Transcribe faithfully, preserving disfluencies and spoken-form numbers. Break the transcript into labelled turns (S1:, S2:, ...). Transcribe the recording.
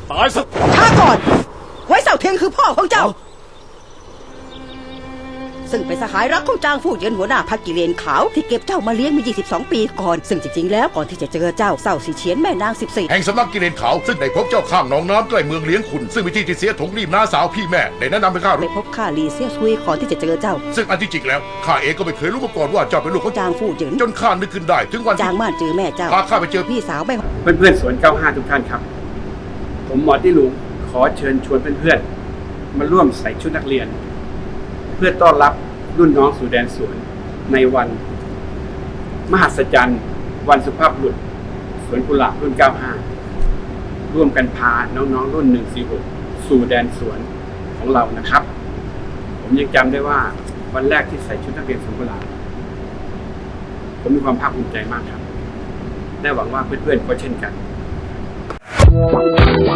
S1: ตายซะ
S2: ช้าก่อนไว้เสาเทียงคือพ่อของเจ้าซึ่งเป็นสหายรักของจางฟู่เหยินหัวหน้าพรรคกิเลนขาวที่เก็บเจ้ามาเลี้ยงมายี่สิบสองปีก่อนซึ่งจริงๆแล้วก่อนที่จะเจอเจ้าเศร้าสีเฉียนแม่นางสิบสี่
S3: แห่งสำนักกิเลนขาวซึ่งได้พบเจ้าข้างหนองน้ำใกล้เมืองเลี้ยงขุนซึ่งวิธีที่เสียถงรีบน้าสาวพี่แม่ได้แนะนำให้ข้ารู้
S2: ไปพบข้าลีเซียซุยก่อนที่จะเจอเจ้า
S3: ซึ่งอันที่จริงแล้วข้าเองก็ไม่เคยรู้มาก่อนว่าเจ้าเป็นลูกของ
S2: จางฟู่เหยิน
S3: จนข้านึกขึ้นได้ถึงวัน
S2: จางม่านเจอแม่เจ้า
S3: พาข้าไปเจอ
S2: พี่สาวแม่
S4: เพื่อนๆสวนเก้าห้าทุกท่านครับผมหมอที่หลุงขอเชิญชวนเพื่อนๆมาร่วมใส่ชุดนักเรียนเพื่อต้อนรับรุ่นน้องสู่แดนสวนในวันมหัศจรรย์วันสุภาพบุรุษสวนกุหลาบรุ่นเก้าห้าร่วมกันพาน้องๆรุ่นหนึ่งสี่หกสู่แดนสวนของเรานะครับผมยังจำได้ว่าวันแรกที่ใส่ชุดนักเรียนสวนกุหลาบผมมีความภาคภูมิใจมากครับและหวังว่าเพื่อนๆก็เช่นกัน